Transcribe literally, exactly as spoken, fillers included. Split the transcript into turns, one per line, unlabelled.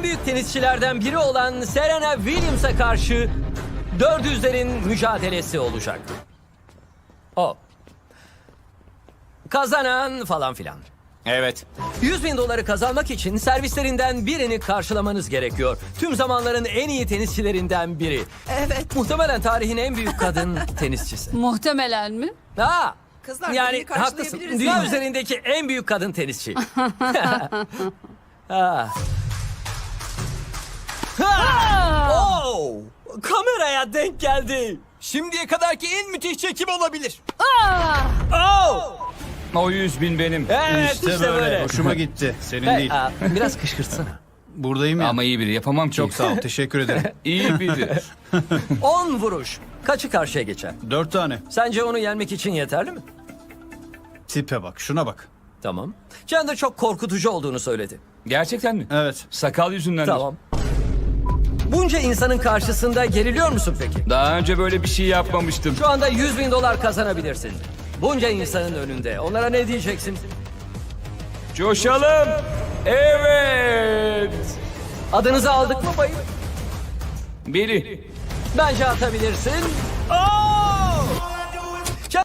en büyük tenisçilerden biri olan Serena Williams'a karşı dört yüzlerin mücadelesi olacak. O. Kazanan falan filan.
Evet.
yüz bin doları kazanmak için servislerinden birini karşılamanız gerekiyor. Tüm zamanların en iyi tenisçilerinden biri. Evet, muhtemelen tarihin en büyük kadın tenisçisi.
Muhtemelen mi?
Ha,
Kızlar,
yani
birini
haklısın.
karşılayabiliriz,
Dünya
değil mi?
üzerindeki en büyük kadın tenisçi. ha. Ha! Oh! Kameraya denk geldi.
Şimdiye kadarki en müthiş çekim olabilir.
Oh!
O yüz bin benim.
Evet,
İşte,
işte,
böyle.
böyle.
Hoşuma gitti. Senin
Hey,
değil.
aa, biraz kışkırtsana.
Buradayım ya.
Ama iyi biri, yapamam ki.
Çok sağ ol. Teşekkür ederim.
İyi biri.
on vuruş. Kaçı karşıya geçer?
Dört tane.
Sence onu yenmek için yeterli mi?
Tipe bak. Şuna bak.
Tamam. Chandler çok korkutucu olduğunu söyledi.
Gerçekten mi?
Evet.
Sakal yüzünden.
Tamam. Bunca insanın karşısında geriliyor musun peki?
Daha önce böyle bir şey yapmamıştım.
Şu anda yüz bin dolar kazanabilirsin. Bunca insanın önünde. Onlara ne diyeceksin?
Coşalım. Evet.
Adınızı aldık mı bayım?
Biri.
Bence atabilirsin. Aa!